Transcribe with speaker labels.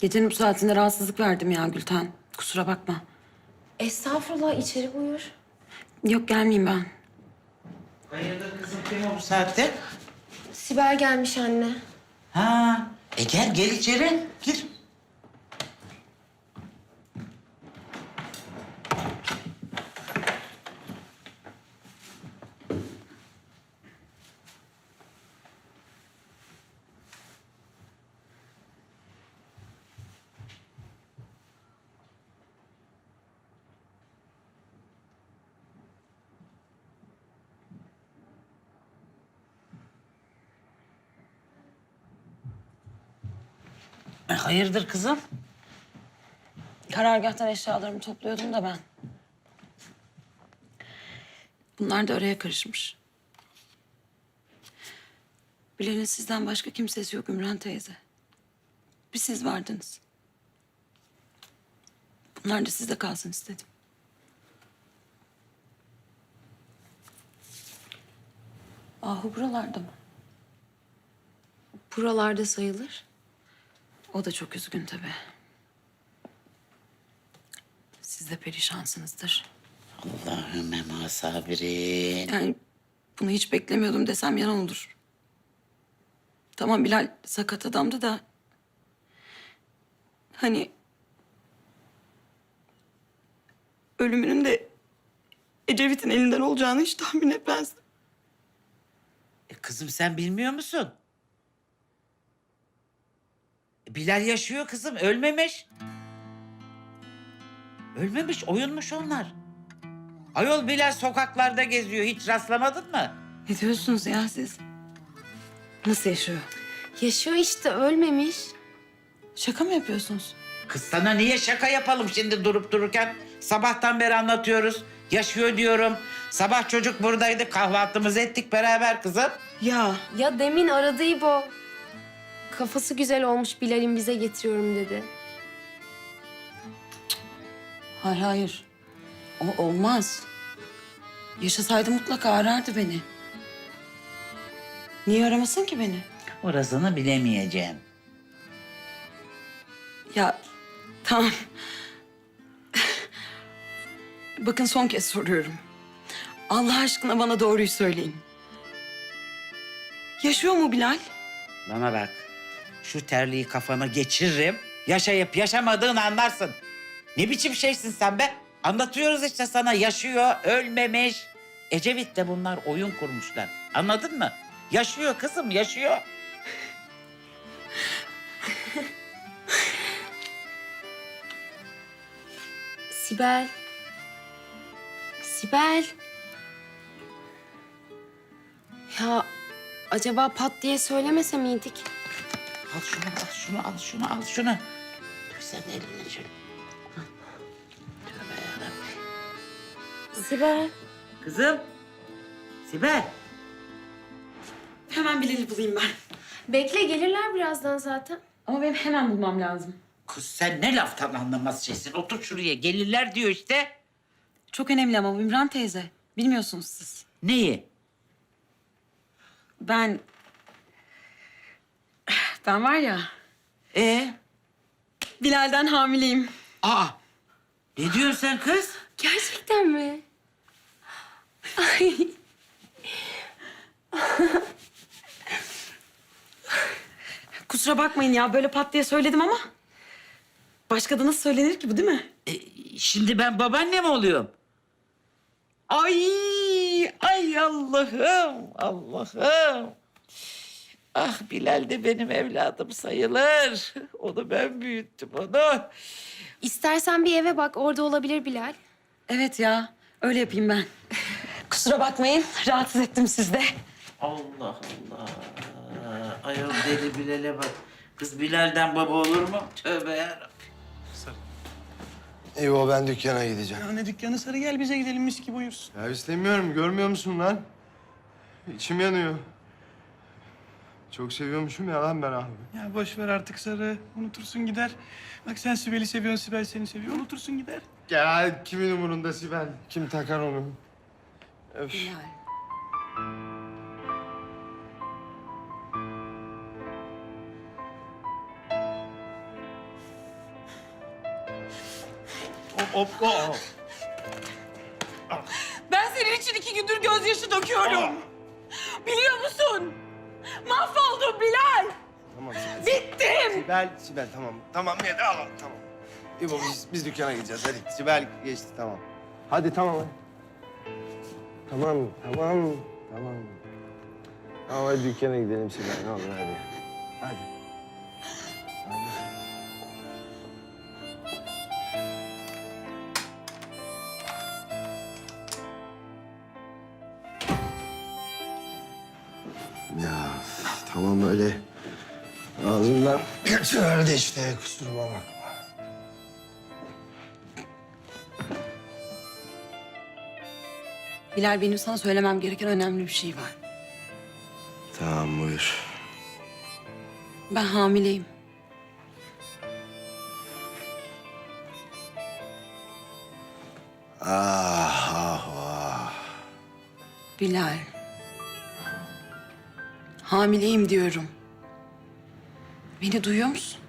Speaker 1: Gecenin bu saatinde rahatsızlık verdim ya Gülten. Kusura bakma.
Speaker 2: Estağfurullah, içeri buyur.
Speaker 1: Yok gelmeyeyim ben.
Speaker 3: Hayırdır kızım, kim o bu saatte?
Speaker 2: Sibel gelmiş anne.
Speaker 3: Ha, gel içeri, gir. Hayırdır kızım?
Speaker 1: Karargâhtan eşyalarımı topluyordum da ben. Bunlar da araya karışmış. Bilal'in sizden başka kimsesi yok Ümran teyze. Bir siz vardınız. Bunlar da sizde kalsın istedim. Ahu buralarda mı?
Speaker 2: Buralarda sayılır.
Speaker 1: O da çok üzgün tabii. Siz de perişansınızdır.
Speaker 3: Allahümme ma sabirin.
Speaker 1: Yani bunu hiç beklemiyordum desem yalan olur. Tamam Bilal sakat adamdı da... Hani... Ölümünün de Ecevit'in elinden olacağını hiç tahmin etmezdim.
Speaker 3: Kızım sen bilmiyor musun? Bilal yaşıyor kızım, ölmemiş. Ölmemiş, oyunmuş onlar. Ayol Bilal sokaklarda geziyor, hiç rastlamadın mı?
Speaker 1: Ne diyorsunuz ya siz? Nasıl yaşıyor?
Speaker 2: Yaşıyor işte, ölmemiş.
Speaker 1: Şaka mı yapıyorsunuz?
Speaker 3: Kız sana niye şaka yapalım şimdi durup dururken? Sabahtan beri anlatıyoruz. Yaşıyor diyorum. Sabah çocuk buradaydı. Kahvaltımızı ettik beraber kızım.
Speaker 1: Ya
Speaker 2: Ya demin aradı İbo. Kafası güzel olmuş, Bilal'in bize getiriyorum dedi.
Speaker 1: hayır hayır. O olmaz. Yaşasaydı mutlaka arardı beni. Niye aramasın ki beni?
Speaker 3: Orasını bilemeyeceğim.
Speaker 1: Ya tamam. Bakın son kez soruyorum. Allah aşkına bana doğruyu söyleyin. Yaşıyor mu Bilal?
Speaker 3: Bana bak. Şu terliği kafana geçiririm. Yaşayıp yaşamadığını anlarsın. Ne biçim şeysin sen be? Anlatıyoruz işte sana. Yaşıyor, ölmemiş. Ecevit'le bunlar oyun kurmuşlar. Anladın mı? Yaşıyor kızım, yaşıyor.
Speaker 2: Sibel. Sibel. Ya acaba pat diye söylemese miydik?
Speaker 3: Al şunu, al şunu, al şunu, al şunu. Dur sen eline şöyle. Hah. Tövbe yarabbim.
Speaker 2: Sibel.
Speaker 3: Kızım. Sibel.
Speaker 1: Hemen Bilal'i bulayım ben.
Speaker 2: Bekle, gelirler birazdan zaten.
Speaker 1: Ama benim hemen bulmam lazım.
Speaker 3: Kız sen ne laftan anlamaz şeysin. Otur şuraya. Gelirler diyor işte.
Speaker 1: Çok önemli ama Ümran teyze. Bilmiyorsunuz siz.
Speaker 3: Neyi?
Speaker 1: Ben var ya Bilal'den hamileyim.
Speaker 3: Aa. Ne diyorsun sen kız?
Speaker 2: Gerçekten mi? Ay.
Speaker 1: Kusura bakmayın ya böyle pat diye söyledim ama. Başka da nasıl söylenir ki bu değil mi?
Speaker 3: Şimdi ben babaanne mi oluyorum? Ay, ay Allah'ım, Allah'ım. Ah Bilal de benim evladım sayılır. Onu ben büyüttüm onu.
Speaker 2: İstersen bir eve bak, orada olabilir Bilal.
Speaker 1: Evet ya öyle yapayım ben. Kusura bakmayın rahatsız ettim sizde.
Speaker 3: Allah Allah. Ayol deli Bilal'e bak. Kız Bilal'den baba olur mu? Tövbe yarabbim.
Speaker 4: İyi ben dükkana gideceğim.
Speaker 5: Ya ne dükkanı Sarı, gel bize gidelim, mis gibi uyursun.
Speaker 4: Ya istemiyorum, görmüyor musun lan? İçim yanıyor. Çok seviyormuşum ya lan ben abi.
Speaker 5: Ya boş ver artık Sarı, unutursun gider. Bak sen Sibel'i seviyorsun, Sibel seni seviyor, unutursun gider.
Speaker 4: Ya kimin umurunda Sibel? Kim takar onu? Öf.
Speaker 1: Bilal.
Speaker 5: Hop hop.
Speaker 1: Ben senin için 2 gündür gözyaşı döküyorum. Biliyor musun? Mahvoldum Bilal.
Speaker 4: Tamam Sibel.
Speaker 1: Bittim.
Speaker 4: Sibel tamam. Tamam ya tamam. Tamam. İbo biz dükkana gideceğiz hadi. Sibel geçti tamam. Hadi tamam hadi. Tamam. Tamam hadi dükkana gidelim Sibel ne olur hadi. Hadi. Ya tamam öyle ağzımdan kaçıverdi işte kusuruma bakma.
Speaker 1: Bilal benim sana söylemem gereken önemli bir şey var.
Speaker 4: Tamam buyur.
Speaker 1: Ben hamileyim.
Speaker 4: Ah.
Speaker 1: Bilal. Hamileyim diyorum. Beni duyuyor musun?